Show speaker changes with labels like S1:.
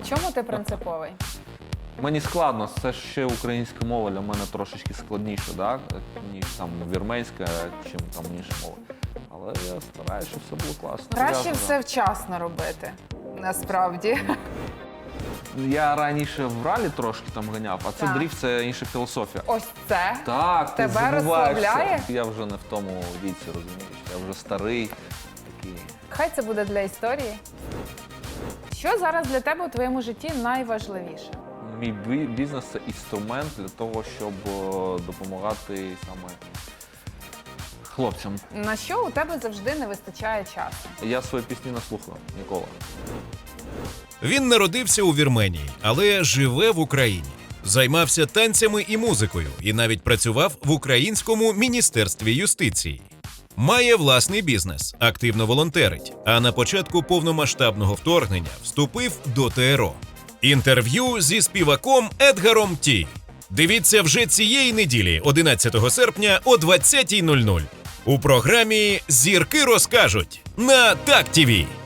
S1: чому ти принциповий?
S2: Мені складно, це ще українська мова для мене трошечки складніше, да? Ніж там вірменська, чим там інші мови. Але я стараюся, щоб все було класно.
S1: Краще
S2: Зв'язано.
S1: все вчасно робити, насправді.
S2: Я раніше в ралі трошки там ганяв, а це
S1: Так.
S2: дріфт, це інша філософія.
S1: Ось це.
S2: Так, ти
S1: Тебе
S2: забуваєшся.
S1: розслабляє?
S2: Я вже не в тому віці, розумієш. Я вже старий, такий.
S1: Хай це буде для історії. Що зараз для тебе у твоєму житті найважливіше?
S2: Мій бізнес – це інструмент для того, щоб допомагати саме хлопцям.
S1: На що у тебе завжди не вистачає часу?
S2: Я свої пісні не слухаю ніколи.
S3: Він народився у Вірменії, але живе в Україні. Займався танцями і музикою і навіть працював в Українському міністерстві юстиції. Має власний бізнес, активно волонтерить, а на початку повномасштабного вторгнення вступив до ТРО. Інтерв'ю зі співаком Едгаром Ті. Дивіться вже цієї неділі, 11 серпня о 20:00 у програмі «Зірки розкажуть» на Так ТІВІ.